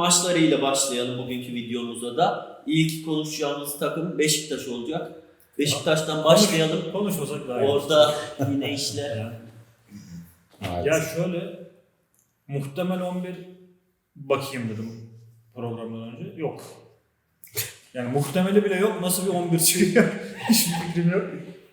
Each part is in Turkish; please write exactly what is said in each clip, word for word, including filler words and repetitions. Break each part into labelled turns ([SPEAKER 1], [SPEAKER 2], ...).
[SPEAKER 1] maçlarıyla başlayalım bugünkü videomuza da. İlk konuşacağımız takım Beşiktaş olacak. Beşiktaş'tan başlayalım.
[SPEAKER 2] Konuş, konuşmasak daha iyi.
[SPEAKER 1] Orada yine işler.
[SPEAKER 2] Yani. Ya şöyle, muhtemel on bir bakayım dedim programdan önce. Yok. Yani muhtemeli bile yok. Nasıl bir on bir çıkıyor? Hiçbir fikrim yok.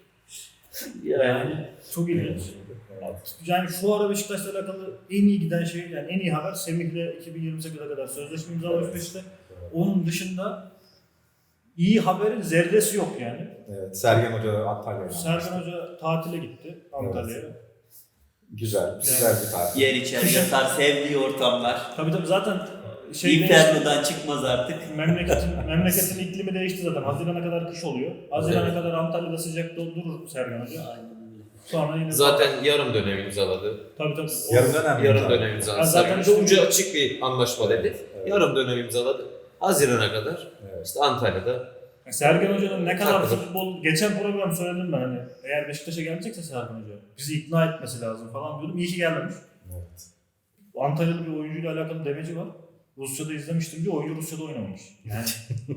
[SPEAKER 2] Yani çok ilginç. Yani şu ara Beşiktaş'la alakalı en iyi giden şey, yani en iyi haber Semih'le iki bin yirmi sekize kadar sözleşme imzalamış işte. Onun dışında iyi haberin zerresi yok yani.
[SPEAKER 3] Evet, Sergen Hoca Antalya'ya.
[SPEAKER 2] Sergen Hoca tatile gitti Antalya'ya.
[SPEAKER 3] Evet. Güzel, güzel bir tatil.
[SPEAKER 1] Yer içer yatar, sevdiği ortamlar.
[SPEAKER 2] Tabii tabii zaten şey
[SPEAKER 1] İnferno'dan çıkmaz artık.
[SPEAKER 2] Memleketin, memleketin iklimi değişti zaten. Haziran'a kadar kış oluyor. Haziran'a evet. kadar Antalya'da sıcakta durur Sergen Hoca. Aynen. Sonra yine
[SPEAKER 4] zaten yarım dönem imzaladı.
[SPEAKER 2] Tabii tabii.
[SPEAKER 3] Yarım dönem
[SPEAKER 4] yarım dönem imzaladı.
[SPEAKER 2] Zaten
[SPEAKER 4] işte ucu açık bir anlaşma dedi. Evet. Yarım dönem imzaladı. Haziran'a kadar evet. işte Antalya'da.
[SPEAKER 2] Sergen Hoca'nın ne kadar Takılır. futbol, geçen program söyledim ben hani eğer Beşiktaş'a gelecekse Sergen Hoca bizi ikna etmesi lazım falan diyordum. İyi ki gelmemiş. Evet. Antalyalı bir oyuncuyla alakalı demeci var. Rusya'da izlemiştim diye oyuncu Rusya'da oynamamış. Yani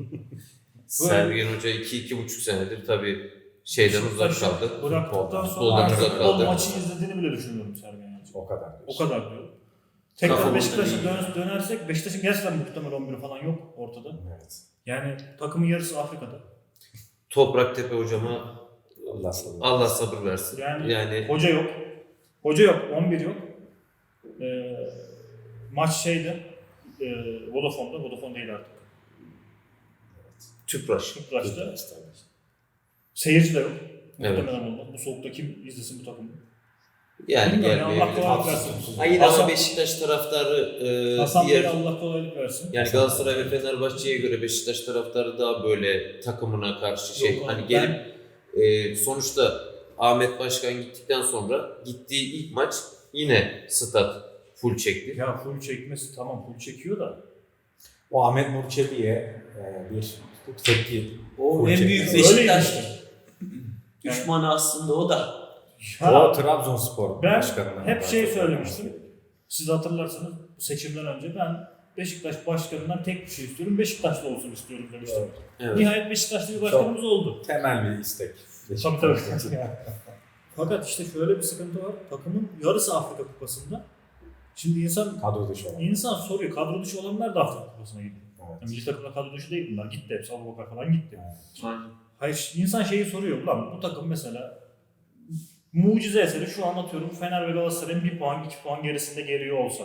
[SPEAKER 4] Sergen Hoca iki iki buçuk senedir tabii şeyden uzak kaldı.
[SPEAKER 2] Bıraktıktan sonra futbol maçı izlediğini bile düşünmüyorum Sergen Hoca.
[SPEAKER 3] O kadar.
[SPEAKER 2] O kadar diyor. Tekrar Beşiktaş'a dön dönersek Beşiktaş'ın gerçekten muhtemel on bir falan yok ortada. Evet. Yani takımın yarısı Afrika'da.
[SPEAKER 4] Topraktepe hocama
[SPEAKER 3] Allah sabır,
[SPEAKER 4] Allah sabır versin.
[SPEAKER 2] Yani,
[SPEAKER 4] yani
[SPEAKER 2] hoca yok. Hoca yok, on bir yok. Ee, maç şeydi. E, Vodafone'da, Vodafone değil artık.
[SPEAKER 4] Evet. Tüpraş.
[SPEAKER 2] Tüpraş'ta. Seyirci de yok.
[SPEAKER 4] Evet.
[SPEAKER 2] Muhtemelen olmaz. Bu soğukta kim izlesin bu takımı?
[SPEAKER 4] Yani gelmeyebilir.
[SPEAKER 2] Allah kolaylık versin.
[SPEAKER 4] Ha yine ama Beşiktaş taraftarı e,
[SPEAKER 2] Hasan
[SPEAKER 4] diğer...
[SPEAKER 2] Bey'e Allah kolaylık versin.
[SPEAKER 4] Yani Galatasaray ve Fenerbahçe'ye göre Beşiktaş taraftarı daha böyle takımına karşı şey
[SPEAKER 2] yok,
[SPEAKER 4] hani
[SPEAKER 2] ben...
[SPEAKER 4] gelip e, sonuçta Ahmet Başkan gittikten sonra gittiği ilk maç yine stat full çekti.
[SPEAKER 2] Ya full çekmesi tamam full çekiyor da.
[SPEAKER 3] O Ahmet Nur Çebi'ye e, bir tepki.
[SPEAKER 1] O en büyük Beşiktaş düşmanı aslında o da.
[SPEAKER 3] Ya, o Trabzonspor
[SPEAKER 2] ben
[SPEAKER 3] başkanına.
[SPEAKER 2] Hep şey söylemiştim. Siz hatırlarsanız seçimden önce ben Beşiktaş başkanından tek bir şey istiyorum. Beşiktaşlı olsun istiyorum demiştim. Evet. Evet. Nihayet Beşiktaşlı bir başkanımız çok oldu.
[SPEAKER 3] Temel bir istek.
[SPEAKER 2] Tabii tabii. Fakat işte şöyle bir sıkıntı var. Takımın yarısı Afrika Kupası'nda. Şimdi insan
[SPEAKER 3] kadro dışı olan.
[SPEAKER 2] İnsan soruyor. Kadro dışı olanlar da Afrika Kupası'na gidiyor.
[SPEAKER 3] Evet.
[SPEAKER 2] Yani milli takımda kadro dışı değil bunlar. Gitti hepsi. Abubakar falan gitti.
[SPEAKER 1] Evet.
[SPEAKER 2] Hayır, insan şeyi soruyor. Ulan bu takım mesela mucize eseri şu anlatıyorum. Fener ve Galatasaray'ın bir puan, iki puan gerisinde geliyor olsa.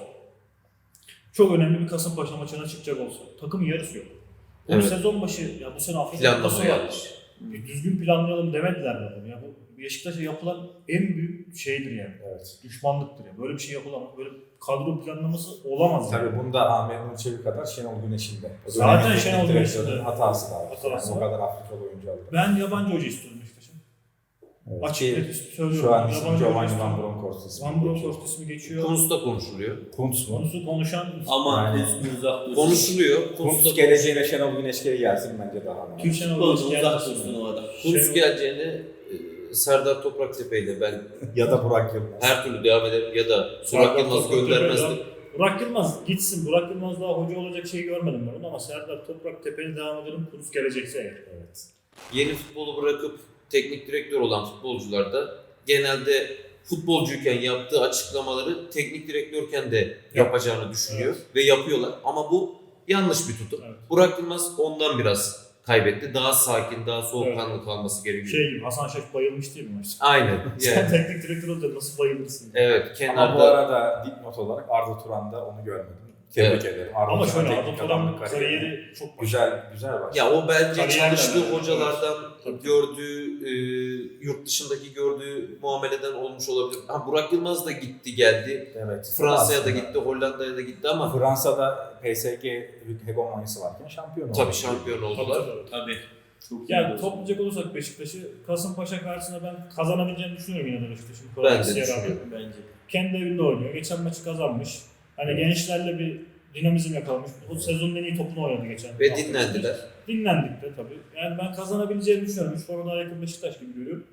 [SPEAKER 2] Çok önemli bir Kasımpaşa maçına çıkacak olsa. Takımın yarısı yok. Bu evet. sezon başı ya bu sene Afrika Kupası yapmış. Düzgün planlayalım demediler bana. Ya bu Beşiktaş'a yapılan en büyük şeydir yani. Evet. Düşmanlıktır yani. Böyle bir şey yapılamaz. Böyle kadro planlaması olamaz.
[SPEAKER 3] Tabii
[SPEAKER 2] yani.
[SPEAKER 3] bunda Ahmet Nur Çebi kadar Şenol Güneş'in de.
[SPEAKER 2] Zaten Şenol Güneş'in de
[SPEAKER 3] hatası da var.
[SPEAKER 2] Hatası
[SPEAKER 3] yani o kadar Afrikalı oyuncu aldı.
[SPEAKER 2] Ben yabancı hoca istiyorum Beşiktaş'a.
[SPEAKER 3] Evet.
[SPEAKER 2] Açık net söylüyorum.
[SPEAKER 3] Şu an ismi Giovanni Van Bronckhorst ismi.
[SPEAKER 2] Van Bronckhorst ismi geçiyor.
[SPEAKER 4] Kuntz da konuşuluyor.
[SPEAKER 3] Kuntz mu?
[SPEAKER 2] Kuntz'u konuşan
[SPEAKER 1] ama
[SPEAKER 3] yani,
[SPEAKER 1] uzak
[SPEAKER 4] konuşuluyor.
[SPEAKER 3] Kuntz geleceğine Şenol Güneş geri gelsin bence daha önemli.
[SPEAKER 2] Kim Şenol Güneş
[SPEAKER 1] uzak dursun o adam.
[SPEAKER 4] Kuntz geleceğine Serdar Topraktepe ile ben
[SPEAKER 3] ya da Burak Yılmaz.
[SPEAKER 4] Her türlü devam ederim ya da Burak Yılmaz göndermezdim.
[SPEAKER 2] Burak Yılmaz gitsin. Burak Yılmaz daha hoca olacak şey görmedim ben onu ama Serdar Topraktepe'yle devam edelim. Kuntz gelecekse eğer. Evet.
[SPEAKER 4] Yeni futbolu bırakıp teknik direktör olan futbolcular da genelde futbolcuyken yaptığı açıklamaları teknik direktörken de yapacağını düşünüyor evet. ve yapıyorlar. Ama bu yanlış bir tutum. Evet. Burak Yılmaz ondan biraz kaybetti. Daha sakin, daha soğukkanlı evet. kalması gerekiyor.
[SPEAKER 2] Şey gibi Hasan Şaş bayılmış değil mi maçta?
[SPEAKER 4] Aynen. Yani.
[SPEAKER 2] Sen teknik direktör olunca nasıl bayılırsın?
[SPEAKER 4] Evet. Kenarda...
[SPEAKER 3] Ama bu arada dipnot olarak Arda Turan'da onu görmedim. Tebrik evet. ederim.
[SPEAKER 2] Arda Ama şöyle Arda Turan'ın kariyeri çok
[SPEAKER 3] güzel güzel başladı.
[SPEAKER 4] Ya o bence
[SPEAKER 2] Kariyer
[SPEAKER 4] çalıştığı
[SPEAKER 2] yani.
[SPEAKER 4] hocalardan
[SPEAKER 2] Tabii.
[SPEAKER 4] gördüğü, e, yurt dışındaki gördüğü muameleden olmuş olabilir. Ha, Burak Yılmaz da gitti geldi.
[SPEAKER 3] Evet.
[SPEAKER 4] Fransa'ya da gitti, Hollanda'ya da gitti ama
[SPEAKER 3] Fransa'da P S G hegemonyası varken şampiyon oldu.
[SPEAKER 4] Tabii şampiyon oldular.
[SPEAKER 2] Tabii.
[SPEAKER 1] Tabii. Çok
[SPEAKER 2] yani toplayacak olursak Beşiktaş'ı Kasımpaşa karşısında ben kazanabileceğini düşünüyorum yine de Beşiktaş'ın.
[SPEAKER 4] Ben de düşünüyorum.
[SPEAKER 1] Bence.
[SPEAKER 2] Kendi evinde oynuyor. Geçen maçı kazanmış. Hani evet. gençlerle bir dinamizm yakalamış. O sezonun en iyi topunu oynadı geçen.
[SPEAKER 4] Ve dinlendiler.
[SPEAKER 2] Dinlendik de tabii. Yani ben kazanabileceğini düşünüyorum. Üç puana daha yakın Beşiktaş gibi görüyorum.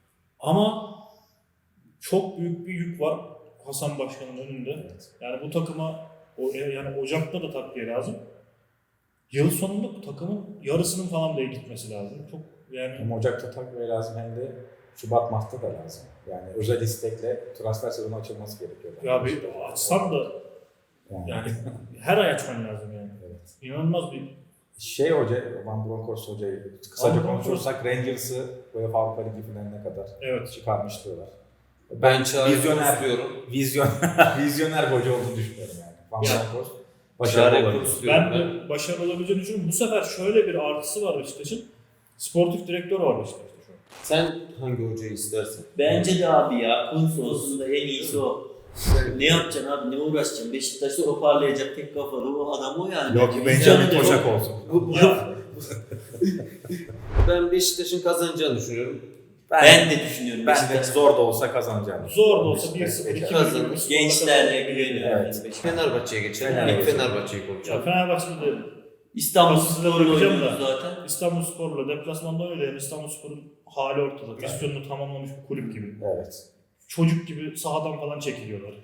[SPEAKER 2] Ama çok büyük bir yük var Hasan Başkan'ın önünde. Evet. Yani bu takıma O, yani Ocak'ta da takviye lazım. Yıl sonunda bu takımın yarısının falan bile gitmesi lazım. Çok yani
[SPEAKER 3] Hem Ocak'ta takviye lazım hem de Şubat Mart'ta da lazım. Yani özel istekle transfer sezonu açılması gerekiyor.
[SPEAKER 2] ya bir açsam da
[SPEAKER 3] yani,
[SPEAKER 2] yani her ay açman lazım yani.
[SPEAKER 3] evet.
[SPEAKER 2] İnanılmaz bir
[SPEAKER 3] Şey hoca, Van Bronckhorst hocayı kısaca
[SPEAKER 2] Van Bronckhorst-
[SPEAKER 3] konuşursak Rangers'ı UEFA Avrupa Ligi finaline kadar
[SPEAKER 2] evet.
[SPEAKER 3] çıkarmış diyorlar.
[SPEAKER 4] Ben Çağrı
[SPEAKER 3] Vizyoner-
[SPEAKER 4] istiyorum.
[SPEAKER 3] Vizyon, vizyoner bir hoca olduğunu düşünüyorum yani. Van
[SPEAKER 2] Ya.
[SPEAKER 3] Bronckhorst başarılı
[SPEAKER 4] Çağrı
[SPEAKER 3] olabilir.
[SPEAKER 4] istiyorum
[SPEAKER 2] Ben de başarılı olabileceğini düşünüyorum. Bu sefer şöyle bir artısı var Beşiktaş'ın. Sportif direktör var Beşiktaş'ta şu an.
[SPEAKER 4] Sen hangi hocayı istersin?
[SPEAKER 1] Bence de abi ya Kuntz olsun da en iyisi o. Ne yapacaksın abi, ne uğraşacaksın? Beşiktaş'ta toparlayacak tek kafalı o adam o yani.
[SPEAKER 3] Yok ki
[SPEAKER 1] Vizyonu
[SPEAKER 3] Benjamin
[SPEAKER 1] da yok.
[SPEAKER 3] Koçak olsun.
[SPEAKER 4] Bu, bu-
[SPEAKER 2] Ya,
[SPEAKER 4] ben Beşiktaş'ın kazanacağını düşünüyorum.
[SPEAKER 1] Ben de düşünüyorum
[SPEAKER 3] Ben de
[SPEAKER 1] Beşiktaş.
[SPEAKER 3] zor da olsa kazanacağını.
[SPEAKER 2] zor da olsa bir
[SPEAKER 3] Beşiktaş
[SPEAKER 2] sıfır iki
[SPEAKER 3] geçer.
[SPEAKER 2] bir
[SPEAKER 4] Kazanır.
[SPEAKER 2] gibi bir skorla
[SPEAKER 1] Gençlerle
[SPEAKER 2] kazanır.
[SPEAKER 1] güveniyorum.
[SPEAKER 3] Evet.
[SPEAKER 1] yani Beşiktaş.
[SPEAKER 4] Fenerbahçe'ye geçelim.
[SPEAKER 3] Fenerbahçe.
[SPEAKER 4] İlk Fenerbahçe'yi
[SPEAKER 2] Ya
[SPEAKER 4] konuşalım.
[SPEAKER 2] Fenerbahçe'de de
[SPEAKER 1] İstanbul
[SPEAKER 2] Nasıl
[SPEAKER 1] Spor'la
[SPEAKER 2] bakacağım
[SPEAKER 1] oynuyoruz
[SPEAKER 2] da.
[SPEAKER 1] zaten.
[SPEAKER 2] İstanbulspor'la deplasmanda öyle yani İstanbulspor'un hali ortada. Misyonunu tamamlamış bir kulüp gibi.
[SPEAKER 3] Evet.
[SPEAKER 2] Çocuk gibi sahadan falan çekiliyorlar.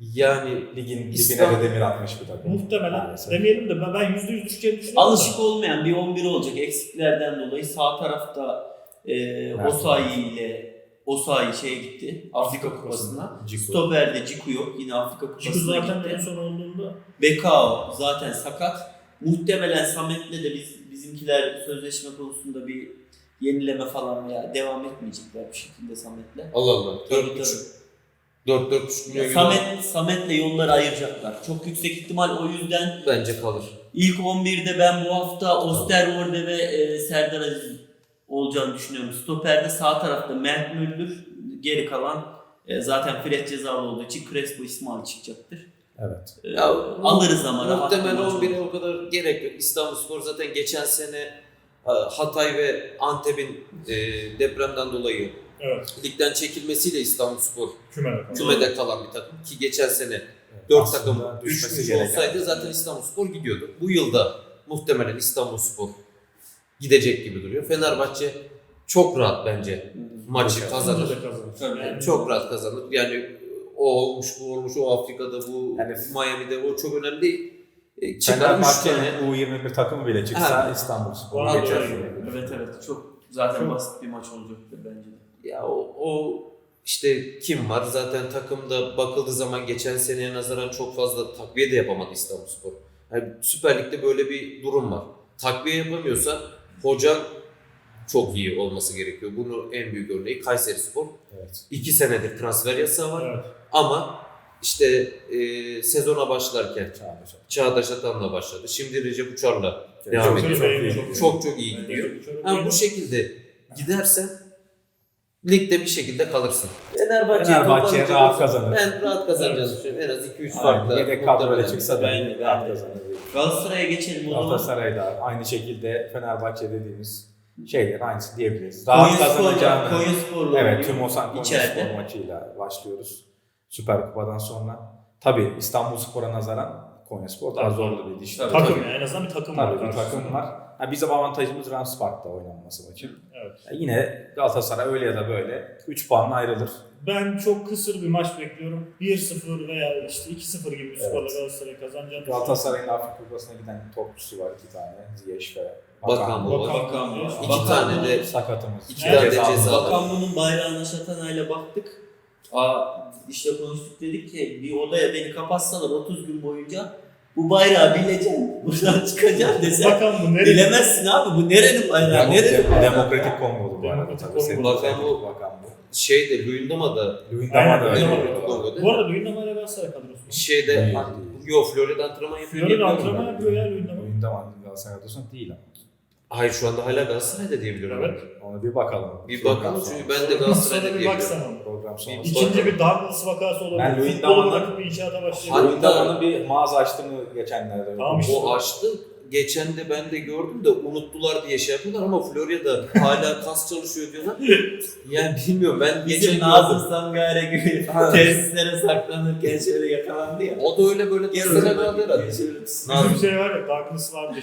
[SPEAKER 4] Yani
[SPEAKER 3] Ligin dibine
[SPEAKER 4] İstanbul-
[SPEAKER 3] de demir atmış bir takım.
[SPEAKER 2] Muhtemelen
[SPEAKER 3] Maalesef.
[SPEAKER 2] demeyelim de ben- ben yüzde yüz düşeceğini düşünüyorum.
[SPEAKER 1] Alışık olmayan bir on bir olacak eksiklerden dolayı. Sağ tarafta e, Osayi ile Osayi şeye gitti. Afrika Kupası'na.
[SPEAKER 3] Ciku.
[SPEAKER 1] Stoper'de Ciku yok. Yine Afrika
[SPEAKER 2] Ciku
[SPEAKER 1] Kupası'na
[SPEAKER 2] zaten en
[SPEAKER 1] gitti.
[SPEAKER 2] son olduğunda
[SPEAKER 1] Bekao zaten sakat. Muhtemelen Samet'le de biz bizimkiler sözleşme konusunda bir yenileme falan veya devam etmeyecekler bir şekilde Samet'le.
[SPEAKER 4] Allah Allah.
[SPEAKER 1] Tabii,
[SPEAKER 4] dört buçuk
[SPEAKER 1] tabii.
[SPEAKER 4] dört dört buçuk milyon euro
[SPEAKER 1] Samet, Samet'le yolları ayıracaklar. Çok yüksek ihtimal o yüzden
[SPEAKER 4] bence kalır.
[SPEAKER 1] ilk on birde ben bu hafta Osterwolde ve e, Serdar Aziz olacağını düşünüyorum. Stoper'de sağ tarafta Mert Müldür, geri kalan e, zaten Fred cezalı olduğu için Crespo İsmail çıkacaktır.
[SPEAKER 3] Evet.
[SPEAKER 1] E,
[SPEAKER 4] Ya,
[SPEAKER 1] alırız ama rahat
[SPEAKER 4] Muhtemelen
[SPEAKER 1] bir maç
[SPEAKER 4] on bire
[SPEAKER 1] olur.
[SPEAKER 4] o kadar gerek yok. İstanbulspor zaten geçen sene e, Hatay ve Antep'in e, depremden dolayı
[SPEAKER 2] evet
[SPEAKER 4] ligden çekilmesiyle İstanbulspor
[SPEAKER 2] kümede kaldı.
[SPEAKER 4] kümede kalan bir takım ki geçen sene dört
[SPEAKER 3] Aslında
[SPEAKER 4] takım
[SPEAKER 3] düşmesi
[SPEAKER 4] düşmüş
[SPEAKER 3] gereken.
[SPEAKER 4] olsaydı zaten İstanbulspor gidiyordu. Bu yılda muhtemelen İstanbulspor gidecek gibi duruyor. Fenerbahçe çok rahat bence maçı
[SPEAKER 3] Evet.
[SPEAKER 4] kazanır.
[SPEAKER 2] Bence de kazanır.
[SPEAKER 1] Tabii.
[SPEAKER 2] Yani
[SPEAKER 4] Çok rahat kazanır. Yani o olmuş, bu olmuş, o Afrika'da, bu
[SPEAKER 3] Yani-
[SPEAKER 4] Miami'de o çok önemli değil. E, Çıkar üç tane.
[SPEAKER 3] Fenerbahçe'nin U yirmi bir takımı bile çıksa
[SPEAKER 4] Ha.
[SPEAKER 3] İstanbulspor
[SPEAKER 2] Bana da
[SPEAKER 3] geçer.
[SPEAKER 2] öyle geliyor.
[SPEAKER 1] Evet evet çok zaten
[SPEAKER 2] Çok-
[SPEAKER 1] basit bir maç olacaktır bence de.
[SPEAKER 4] Ya o, o işte kim var? Zaten takımda bakıldığı zaman geçen seneye nazaran çok fazla takviye de yapamadı İstanbulspor. Yani Süper Lig'de böyle bir durum var. Takviye yapamıyorsa hoca çok iyi olması gerekiyor. Bunun en büyük örneği Kayserispor.
[SPEAKER 3] Evet.
[SPEAKER 4] İki senedir transfer yasağı var.
[SPEAKER 2] Evet.
[SPEAKER 4] Ama işte e, sezona başlarken
[SPEAKER 3] Çağdaş.
[SPEAKER 4] Çağdaş Atan'la başladı. Şimdi Recep Uçar'la
[SPEAKER 3] Çok
[SPEAKER 4] devam
[SPEAKER 3] iyi,
[SPEAKER 4] ediyor.
[SPEAKER 3] çok iyi.
[SPEAKER 2] Çok
[SPEAKER 4] Çok çok iyi gidiyor. Ha, bu şekilde gidersen ligde bir şekilde kalırsın. Fenerbahçe
[SPEAKER 3] Fenerbahçe rahat kazanır.
[SPEAKER 4] Ben rahat kazanacağını düşünüyorum. En az iki üç
[SPEAKER 3] Aynen.
[SPEAKER 4] farkla.
[SPEAKER 3] Yedek kadroyla
[SPEAKER 4] muhtemelen.
[SPEAKER 3] çıksa da
[SPEAKER 1] Ben de, ben
[SPEAKER 3] rahat
[SPEAKER 1] de.
[SPEAKER 3] kazanır.
[SPEAKER 1] Galatasaray'a geçelim o zaman.
[SPEAKER 3] Galatasaray'da aynı şekilde Fenerbahçe dediğimiz şeyler aynısı diyebiliriz. Rahat
[SPEAKER 1] Konyaspor'la
[SPEAKER 3] kazanacağını.
[SPEAKER 1] Konyaspor'la
[SPEAKER 3] Evet,
[SPEAKER 1] oynuyor.
[SPEAKER 3] tüm Osan
[SPEAKER 1] İçeride.
[SPEAKER 3] Konyaspor maçıyla başlıyoruz. Süper Kupa'dan sonra. Tabii İstanbulspor'a nazaran Konyaspor daha zorlu bir diş.
[SPEAKER 1] Tabii,
[SPEAKER 2] Takım yani en azından bir takım var.
[SPEAKER 3] Tabii bir
[SPEAKER 2] karşısında.
[SPEAKER 3] takım var. Ha, bizim avantajımız Rams Park'ta oynanması maçın.
[SPEAKER 2] Evet.
[SPEAKER 3] Ya yine Galatasaray öyle ya da böyle üç puanla ayrılır.
[SPEAKER 2] Ben çok kısır bir maç bekliyorum. bir sıfır veya işte iki sıfır gibi bir skorla
[SPEAKER 3] Evet.
[SPEAKER 2] Galatasaray kazanacağını
[SPEAKER 3] Galatasaray'ın Afrika Kupası'na giden topçusu var iki tane. Ziyech ve
[SPEAKER 4] Bakan bu var.
[SPEAKER 1] Bakan var.
[SPEAKER 4] İki
[SPEAKER 1] Bakan
[SPEAKER 4] tane de
[SPEAKER 3] sakatımız.
[SPEAKER 4] İki tane de ceza.
[SPEAKER 1] Bakan bunun bayrağına şatanayla baktık. Aa, işte konuştuk dedik ki bir odaya beni kapatsalar otuz gün boyunca bu bayrağı bileceksin. Buradan çıkacaksın desen.
[SPEAKER 2] Bakan bu nereye?
[SPEAKER 1] Bilemezsin abi bu nerenin bayrağı? Nerenin
[SPEAKER 3] Dem-
[SPEAKER 1] bayrağı?
[SPEAKER 3] Demokratik Kongo'lu bu arada.
[SPEAKER 2] Demokratik
[SPEAKER 3] tabii.
[SPEAKER 2] Kongo.
[SPEAKER 3] Senin
[SPEAKER 4] Bakan
[SPEAKER 3] söylediğin
[SPEAKER 4] bu-
[SPEAKER 3] Bakan bu.
[SPEAKER 4] Şeyde Luyendama'da
[SPEAKER 3] Luyendama
[SPEAKER 2] Aynen,
[SPEAKER 3] da öyle.
[SPEAKER 2] Luyendama.
[SPEAKER 4] Kongo'da.
[SPEAKER 2] Bu arada Luyendama ile Galatasaray kadrosu.
[SPEAKER 4] şeyde
[SPEAKER 3] Değil,
[SPEAKER 4] Yo Florida antrenman yapıyor.
[SPEAKER 2] Florida
[SPEAKER 4] diye
[SPEAKER 2] antrenman
[SPEAKER 4] biliyorum
[SPEAKER 2] yapıyor ya Luyendama.
[SPEAKER 3] Luyendama Galatasaray kadrosu değil ama.
[SPEAKER 4] ben. Hayır şu anda hala Galatasaray'da diye biliyorum.
[SPEAKER 2] Evet.
[SPEAKER 3] Ona bir bakalım.
[SPEAKER 4] Bir
[SPEAKER 3] Program
[SPEAKER 4] bakalım
[SPEAKER 3] sonrası.
[SPEAKER 4] çünkü ben de Galatasaray'da
[SPEAKER 2] Sonra
[SPEAKER 4] diye
[SPEAKER 2] bir
[SPEAKER 4] biliyorum.
[SPEAKER 2] baksana.
[SPEAKER 3] Program sonrası.
[SPEAKER 4] İki-
[SPEAKER 2] İkinci bir Douglas vakası olabilir.
[SPEAKER 3] Ben
[SPEAKER 2] Futbolu
[SPEAKER 3] Luyendama'nın-
[SPEAKER 2] bırakıp bir inşaata başlayabilir.
[SPEAKER 4] Hatta-
[SPEAKER 3] Luyendama'nın bir mağaza açtığını geçenlerde.
[SPEAKER 2] Tamam işte.
[SPEAKER 4] O açtı. Geçen de ben de gördüm de unuttular diye şey yapıyorlar ama Florya'da hala kas çalışıyor diyorlar. Yani bilmiyorum ben geçen
[SPEAKER 1] Bizim
[SPEAKER 4] gördüm.
[SPEAKER 1] Nazım Sangare gibi tesislere saklanırken şöyle yakalandı ya.
[SPEAKER 4] O da öyle böyle
[SPEAKER 1] Gel
[SPEAKER 4] testere
[SPEAKER 1] o zaman.
[SPEAKER 4] kaldı herhalde.
[SPEAKER 1] Şöyle-
[SPEAKER 2] Bizim
[SPEAKER 4] Nazım.
[SPEAKER 2] şey var ya Douglas vardı işte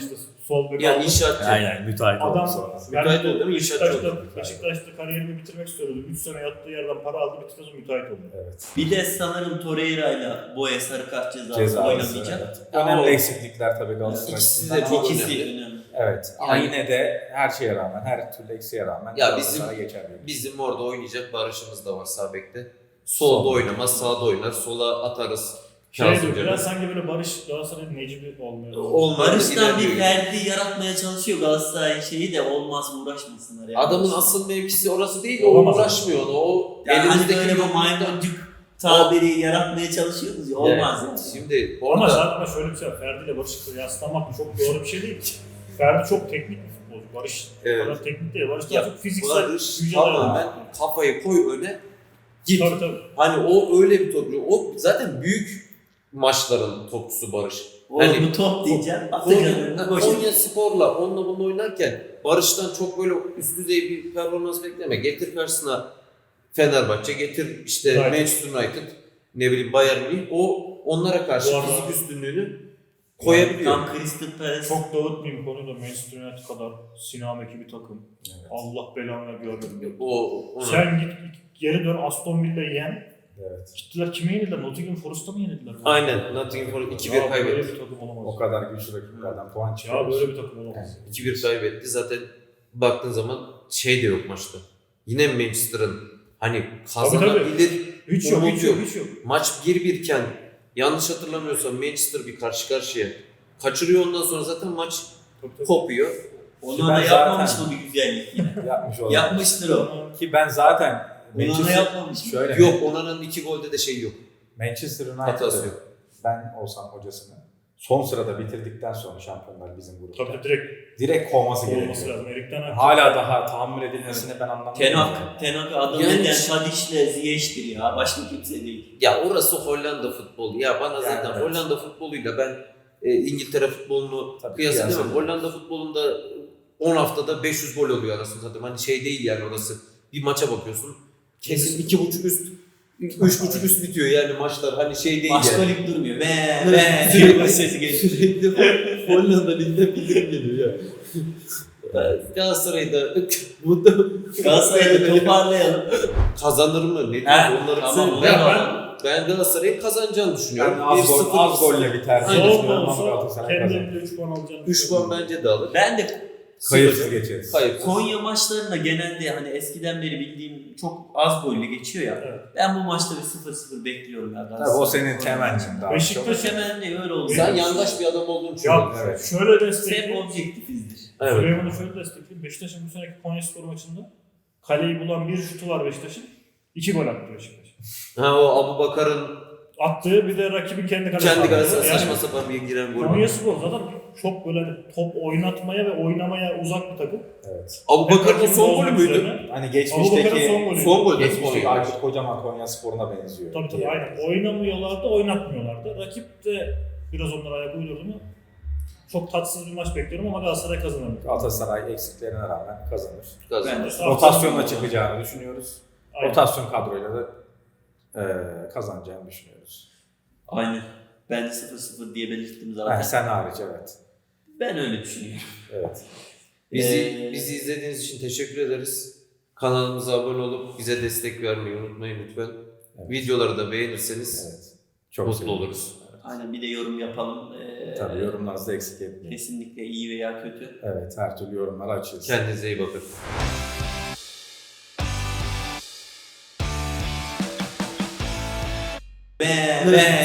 [SPEAKER 2] Sol bek
[SPEAKER 4] Ya
[SPEAKER 2] aldı.
[SPEAKER 4] inşaatçı.
[SPEAKER 3] Aynen müteahhit oldu
[SPEAKER 2] Adam
[SPEAKER 3] sonrası.
[SPEAKER 4] Müteahhit oldu değil mi? İnşaatçı
[SPEAKER 2] Beşiktaş'ta,
[SPEAKER 4] oldu.
[SPEAKER 2] Beşiktaş'ta kariyerimi bitirmek istiyordu. üç sene yattığı yerden para aldı, bitirdi, müteahhit oldu.
[SPEAKER 3] Evet.
[SPEAKER 1] Bir de sanırım Torreira ile Boya sarı kart cezası
[SPEAKER 3] Cezası,
[SPEAKER 1] oynamayacak.
[SPEAKER 3] evet.
[SPEAKER 1] Ama
[SPEAKER 3] Önemli
[SPEAKER 1] o-
[SPEAKER 3] eksiklikler tabii Galatasaray
[SPEAKER 4] İkisi de
[SPEAKER 3] açısından.
[SPEAKER 4] çok
[SPEAKER 1] İkisi
[SPEAKER 4] önemli.
[SPEAKER 1] önemli.
[SPEAKER 3] Evet. Ama
[SPEAKER 4] Yani-
[SPEAKER 3] yine de her şeye rağmen, her türlü eksiğe rağmen
[SPEAKER 4] Ya
[SPEAKER 3] Galatasaray
[SPEAKER 4] bizim-
[SPEAKER 3] geçer diyorum.
[SPEAKER 4] Bizim orada oynayacak Barış'ımız da var sağ bekte. Solda
[SPEAKER 3] Sol.
[SPEAKER 4] oynamaz, sağda oynar. Sola atarız.
[SPEAKER 2] Şey
[SPEAKER 4] Kazım
[SPEAKER 2] diyor,
[SPEAKER 4] Can'ı.
[SPEAKER 2] biraz sanki böyle Barış Galatasaray'ın Necip'i olmuyor.
[SPEAKER 4] Olmaz.
[SPEAKER 1] Barış'tan bir
[SPEAKER 4] ilerliyor.
[SPEAKER 1] Ferdi yaratmaya çalışıyor Galatasaray şeyi de olmaz uğraşmasınlar yani.
[SPEAKER 4] Adamın asıl mevkisi orası değil, o
[SPEAKER 2] Olamaz.
[SPEAKER 4] uğraşmıyor. ona. O
[SPEAKER 1] yani hani
[SPEAKER 4] elimizdeki
[SPEAKER 1] böyle bu
[SPEAKER 4] yokluktan-
[SPEAKER 1] maymuncuk tabiri yaratmaya çalışıyoruz ya olmaz yani.
[SPEAKER 4] Şimdi
[SPEAKER 2] Ama
[SPEAKER 4] orada
[SPEAKER 2] zaten şöyle bir şey var. Ferdi ile Barış'ı kıyaslamak çok doğru bir şey değil. Ferdi çok teknik bir futbolcu. Barış
[SPEAKER 4] Evet.
[SPEAKER 2] o kadar teknik değil. Barış
[SPEAKER 4] Ya,
[SPEAKER 2] daha çok fiziksel
[SPEAKER 4] Barış
[SPEAKER 2] güce
[SPEAKER 4] tamamen
[SPEAKER 2] dayalı.
[SPEAKER 4] kafayı koy öne git.
[SPEAKER 2] Tabii tabii.
[SPEAKER 4] Hani o öyle bir topçu. O zaten büyük maçların topçusu Barış.
[SPEAKER 1] O
[SPEAKER 4] Hani-
[SPEAKER 1] bu top diyeceğim.
[SPEAKER 4] Konya,
[SPEAKER 1] Atacan'ın koşu.
[SPEAKER 4] Konya Spor'la onunla bununla oynarken Barış'tan çok böyle üst düzey bir performans bekleme. Getir karşısına Fenerbahçe, getir işte
[SPEAKER 2] United.
[SPEAKER 4] Manchester United, ne bileyim Bayern Münih. O onlara karşı
[SPEAKER 2] Bu arada-
[SPEAKER 4] fizik üstünlüğünü koyabiliyor.
[SPEAKER 1] Tam Crystal Palace.
[SPEAKER 2] Çok dağıtmayayım konuyu da Manchester United kadar sinameki bir takım.
[SPEAKER 3] Evet.
[SPEAKER 2] Allah belanı görmedim.
[SPEAKER 4] O ona.
[SPEAKER 2] Sen git geri dön Aston Villa'yı yen.
[SPEAKER 3] Evet.
[SPEAKER 2] Gittiler kime yenildiler? Nottingham Forest'a mı yenildiler?
[SPEAKER 4] Aynen Nottingham Forest iki bir
[SPEAKER 2] Ya Böyle
[SPEAKER 4] kaybetti.
[SPEAKER 2] bir takım olamaz.
[SPEAKER 3] O kadar güçlü rakiplerden puan çıkıyor.
[SPEAKER 2] Ya böyle bir takım olamaz.
[SPEAKER 4] iki bir kaybetti. Zaten baktığın zaman şey de yok maçta. Yine Manchester'ın hani kazanabilir
[SPEAKER 2] Hiç yok,
[SPEAKER 4] umut
[SPEAKER 2] hiç yok,
[SPEAKER 4] yok.
[SPEAKER 2] hiç yok.
[SPEAKER 4] Maç bir bir iken yanlış hatırlamıyorsam Manchester bir karşı karşıya kaçırıyor, ondan sonra zaten maç
[SPEAKER 2] Tabii, tabii.
[SPEAKER 4] kopuyor.
[SPEAKER 1] Ondan
[SPEAKER 3] Ben
[SPEAKER 1] da yapmamış
[SPEAKER 3] zaten-
[SPEAKER 1] mı bir güzellik yine?
[SPEAKER 3] Yapmış olan.
[SPEAKER 1] Yapmıştır o.
[SPEAKER 3] Ki ben zaten
[SPEAKER 1] Ondan da
[SPEAKER 3] Manchester,
[SPEAKER 1] yapmamış mı?
[SPEAKER 3] şöyle
[SPEAKER 4] Yok, Onana'nın iki golde de şey yok.
[SPEAKER 3] Manchester
[SPEAKER 4] Hatası
[SPEAKER 3] United'ı
[SPEAKER 4] yok.
[SPEAKER 3] ben olsam hocasını son sırada bitirdikten sonra şampiyonlar bizim grupta.
[SPEAKER 2] Tabii direkt
[SPEAKER 3] Direkt kovması
[SPEAKER 2] olması
[SPEAKER 3] gerekiyor.
[SPEAKER 2] lazım. Erik'ten
[SPEAKER 3] Hala daha tahammül edilmesini ben anlamıyorum.
[SPEAKER 1] Tenak, Tenak adam
[SPEAKER 4] Yani-
[SPEAKER 1] neden Tadic'le Ziyech'tir ya. Başka kimse değil.
[SPEAKER 4] Ya orası Hollanda futbolu. Ya bana
[SPEAKER 3] Yani
[SPEAKER 4] zaten
[SPEAKER 3] evet.
[SPEAKER 4] Hollanda futboluyla ben e, İngiltere futbolunu
[SPEAKER 3] Tabii
[SPEAKER 4] kıyaslamam.
[SPEAKER 3] kıyaslamam.
[SPEAKER 4] Hollanda futbolunda on haftada beş yüz gol oluyor arasında zaten. Hani şey değil yani orası. Bir maça bakıyorsun. Kesin iki buçuk üst, üç buçuk üst bitiyor yani maçlar. Hani şey değil
[SPEAKER 1] Başka
[SPEAKER 4] yani.
[SPEAKER 1] lig durmuyor. Ve ve diye sesi geliyor.
[SPEAKER 4] Sürekli Hollanda ligde bildirim geliyor ya. Galatasaray'da bu da
[SPEAKER 1] Galatasaray'da toparlayalım.
[SPEAKER 4] kazanır mı? Ne
[SPEAKER 1] He,
[SPEAKER 4] diyor? Onları
[SPEAKER 1] tamam,
[SPEAKER 4] söyle.
[SPEAKER 1] onu
[SPEAKER 4] Ben,
[SPEAKER 1] yapalım.
[SPEAKER 4] ben Galatasaray'ın kazanacağını düşünüyorum.
[SPEAKER 3] Yani az,
[SPEAKER 4] bir
[SPEAKER 3] gol,
[SPEAKER 4] sıfır
[SPEAKER 3] az golle biter.
[SPEAKER 4] Aynen.
[SPEAKER 3] diye
[SPEAKER 2] zor da
[SPEAKER 3] düşünüyorum ama
[SPEAKER 2] olsa
[SPEAKER 3] Galatasaray kazanır.
[SPEAKER 2] kendilerinde üç puan alacağını
[SPEAKER 4] üç puan bence de alır.
[SPEAKER 1] Ben de
[SPEAKER 3] Kayıpsız geçeriz.
[SPEAKER 4] Kayıpsız.
[SPEAKER 1] Konya maçlarında genelde hani eskiden beri bildiğim çok az golle geçiyor ya.
[SPEAKER 2] Evet.
[SPEAKER 1] Ben bu maçta bir sıfır sıfır bekliyorum ya.
[SPEAKER 3] Tabii o senin temennin daha
[SPEAKER 2] Beşiktaş-
[SPEAKER 3] çok.
[SPEAKER 1] Hemen de öyle oldu.
[SPEAKER 4] Sen yandaş bir adam olduğunu
[SPEAKER 2] Ya
[SPEAKER 4] düşünüyorum.
[SPEAKER 3] Evet.
[SPEAKER 2] şöyle
[SPEAKER 1] hep
[SPEAKER 2] destekleyeyim.
[SPEAKER 1] objektifizdir.
[SPEAKER 4] Evet.
[SPEAKER 2] Süleyman'ı şöyle destekleyeyim. Beşiktaş'ın bu seneki Konyaspor maçında kaleyi bulan bir şutu var Beşiktaş'ın. İki gol attı Beşiktaş.
[SPEAKER 4] Ha o Abu Bakar'ın
[SPEAKER 2] Attığı bir de rakibin kendi kalesine.
[SPEAKER 4] kendi kalesine
[SPEAKER 2] Yani
[SPEAKER 4] saçma sapan bir giren gol.
[SPEAKER 2] Konyaspor zaten çok böyle hani top oynatmaya ve oynamaya uzak bir takım.
[SPEAKER 3] Evet.
[SPEAKER 4] Abu Bakar'ın
[SPEAKER 2] Rakibin
[SPEAKER 4] son golü
[SPEAKER 2] bozmak
[SPEAKER 4] müydü?
[SPEAKER 2] üzerine-
[SPEAKER 3] Hani
[SPEAKER 2] Abubakar'ın
[SPEAKER 3] geçmişteki
[SPEAKER 2] son golü.
[SPEAKER 4] Son golü.
[SPEAKER 3] geçmişteki Aykut Kocaman Konya Spor'una benziyor.
[SPEAKER 2] Tabii tabii
[SPEAKER 3] diye.
[SPEAKER 2] aynen. Oynamıyorlardı, oynatmıyorlardı. Rakip de biraz onlara ayak uydurdu mu çok tatsız bir maç bekliyorum ama Galatasaray kazanır.
[SPEAKER 3] Galatasaray eksiklerine rağmen kazanır.
[SPEAKER 4] Kazandı.
[SPEAKER 1] Ben de.
[SPEAKER 3] Rotasyonla çıkacağını düşünüyoruz.
[SPEAKER 2] Aynen.
[SPEAKER 3] Rotasyon kadroyla da e, kazanacağını düşünüyoruz.
[SPEAKER 1] Aynen. Ben de sıfır sıfır diye belirttim zaten.
[SPEAKER 3] Yani sen hariç evet.
[SPEAKER 1] Ben öyle düşünüyorum.
[SPEAKER 3] Evet.
[SPEAKER 4] Bizi,
[SPEAKER 1] Ee,
[SPEAKER 4] bizi izlediğiniz için teşekkür ederiz. Kanalımıza abone olup bize destek vermeyi unutmayın lütfen.
[SPEAKER 3] Evet.
[SPEAKER 4] Videoları da beğenirseniz
[SPEAKER 3] Evet. Çok
[SPEAKER 4] mutlu
[SPEAKER 3] sevindim.
[SPEAKER 4] oluruz.
[SPEAKER 1] Aynen bir de yorum yapalım. Ee,
[SPEAKER 3] Tabii yorumlarınızı da eksik etmeyin.
[SPEAKER 1] Kesinlikle iyi veya kötü.
[SPEAKER 3] Evet, her türlü yorumları açığız.
[SPEAKER 4] Kendinize iyi bakın.
[SPEAKER 1] Ve ve